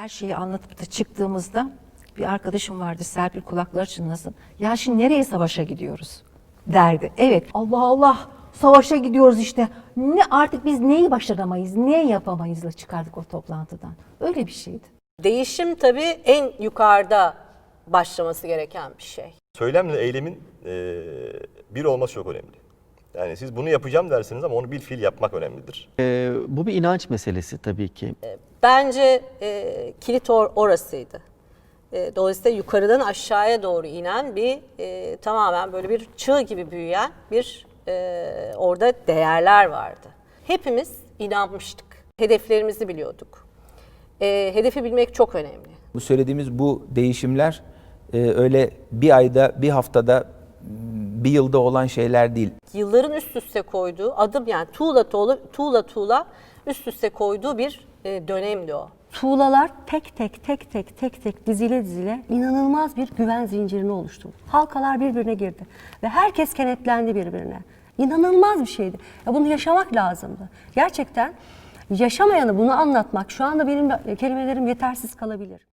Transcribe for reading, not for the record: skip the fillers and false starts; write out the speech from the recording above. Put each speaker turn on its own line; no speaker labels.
her şeyi anlatıp da çıktığımızda bir arkadaşım vardı, Serpil, kulakları çınlasın. Ya şimdi nereye savaşa gidiyoruz derdi. Evet, Allah Allah, savaşa gidiyoruz işte. Ne artık biz neyi başaramayız, ne yapamayızla çıkardık o toplantıdan. Öyle bir şeydi.
Değişim tabii en yukarıda başlaması gereken bir şey.
Söylemle eylemin bir olması çok önemli. Yani siz bunu yapacağım dersiniz ama onu bil fiil yapmak önemlidir.
Bu bir inanç meselesi tabii ki.
Bence kilit orasıydı. Dolayısıyla yukarıdan aşağıya doğru inen bir tamamen böyle bir çığ gibi büyüyen bir orada değerler vardı. Hepimiz inanmıştık. Hedeflerimizi biliyorduk. Hedefi bilmek çok önemli.
Bu söylediğimiz bu değişimler öyle bir ayda, bir haftada, bir yılda olan şeyler değil.
Yılların üst üste koyduğu adım, yani tuğla üst üste koyduğu bir dönemdi o.
Tuğlalar tek tek dizile inanılmaz bir güven zincirini oluşturdu. Halkalar birbirine girdi ve herkes kenetlendi birbirine. İnanılmaz bir şeydi. Ya bunu yaşamak lazımdı. Gerçekten yaşamayanı bunu anlatmak, şu anda benim kelimelerim yetersiz kalabilir.